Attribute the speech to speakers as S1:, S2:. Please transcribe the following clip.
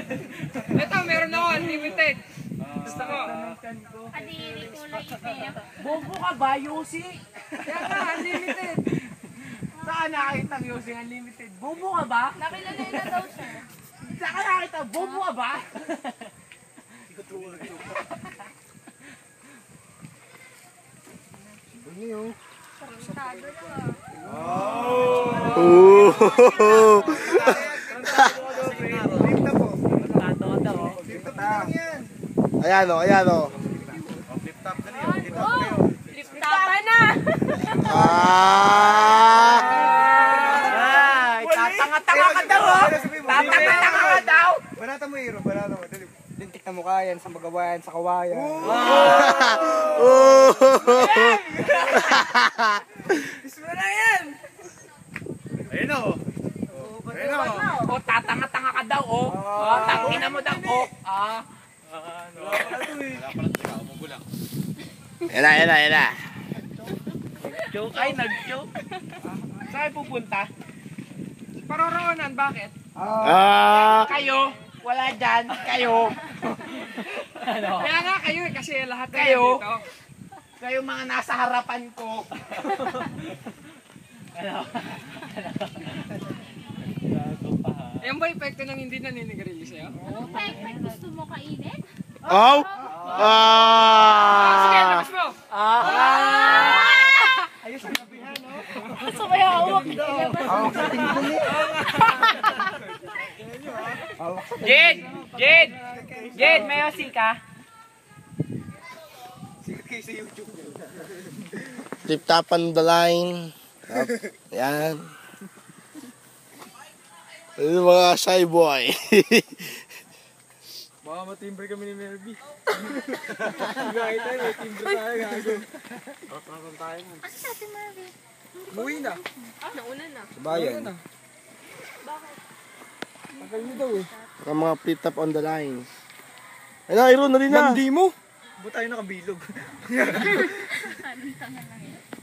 S1: Ito, meron ako, unlimited. Gusto ko.
S2: Kadiri kulay itim.
S3: Bobo ka ba, Yosi?
S1: Kaya nga, unlimited.
S3: Saan nakakita ang Yosi Unlimited? Bobo ka ba?
S2: Nakilala na daw siya.
S3: Saan ka nakakita? Bobo ka ba?
S2: Tarantado na.
S4: Ayan o, ayan o.
S2: Tapan na!
S3: Ay, tatanga-tanga ka daw, oh! Tatanga-tanga ka daw!
S5: Banata mo, Hiro. Banata mo. Lintik na mukha yan sa magawayan, sa kawayan.
S3: Gusto mo na yan!
S5: Ayun o. Ayun o.
S3: Oh, tatanga-tanga ka daw, oh! Oh, tangina mo daw, oh!
S4: Ayan na, ayan na, ayan na.
S3: Joke, ay, nag-joke. Saan pupunta?
S1: Paroroonan, bakit?
S3: Kayo, wala dyan, kayo. Ano?
S1: Kaya nga kayo eh, kasi lahat na
S3: Kayo?
S1: dito.
S3: Kayo mga nasa harapan ko. Ano?
S1: Yan ba epekto ng hindi naninigarilyo sa'yo?
S2: Pek, gusto mo kainin?
S4: Oh!
S1: Sige, labas mo!
S3: Ayos ang gabihan, no?
S2: Sumaya hawak.
S3: Jed! Jed! Jed, may osi ka?
S5: Sikat kayo sa YouTube.
S4: Tip tap on the line. Ayan. Ano yung mga shy boy?
S5: Baka matimbre kami ni Melby. Gaya tayo, may timbre tayo, gago. Nakakang tayo mo.
S2: Asa sa si Marvin?
S5: Umuwi na.
S2: Nauna na.
S5: Sa bayan. Tagal mo daw eh.
S4: Ang mga tip tap on the line. Ay na, Iron, nari na.
S5: Hindi mo? Ba't tayo nakabilog?